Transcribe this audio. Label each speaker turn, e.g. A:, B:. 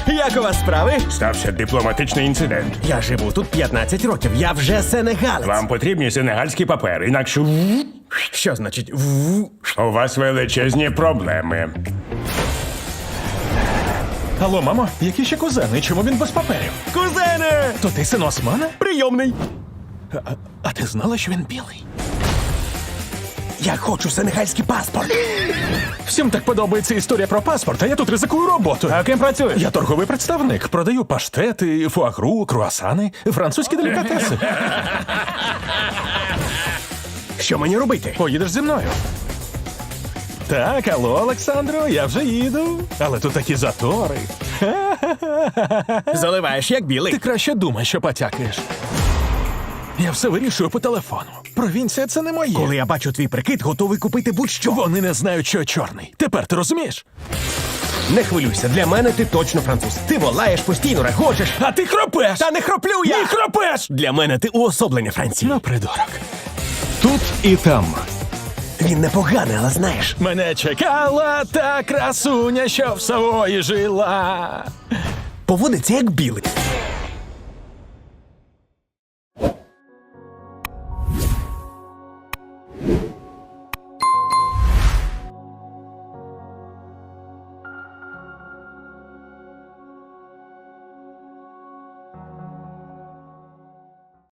A: Як у вас справи?
B: Стався дипломатичний інцидент.
A: Я живу тут 15 років, я вже сенегалець.
B: Вам потрібні сенегальські папери, інакше
A: Що значить
B: у вас величезні проблеми.
C: Алло, мамо, які ще кузени? Чому він без паперів?
A: Кузене!
C: То ти син Османа?
A: Прийомний!
C: А ти знала, що він білий?
A: Я хочу сенегальський паспорт.
C: Всім так подобається історія про паспорт, а я тут ризикую роботу.
A: А ким працюєш?
C: Я торговий представник. Продаю паштети, фуагру, круасани, французькі делікатеси.
A: Що мені робити?
C: Поїдеш зі мною. Так, алло, Олександро, я вже їду. Але тут такі затори.
A: Заливаєш як білий.
C: Ти краще думай, що потякаєш. Я все вирішую по телефону. Провінція — це не моє.
A: Коли я бачу твій прикид, готовий купити будь-що.
C: Вони не знають, що я чорний. Тепер ти розумієш?
A: Не хвилюйся, для мене ти точно француз. Ти волаєш, постійно регочеш.
C: А ти хропеш!
A: Та не хроплю я!
C: Ні, хропеш!
A: Для мене ти уособлення Франції.
C: Ну, придурок.
D: Тут і там.
A: Він непоганий, але знаєш.
C: Мене чекала та красуня, що в Савої жила.
A: Поводиться як білий.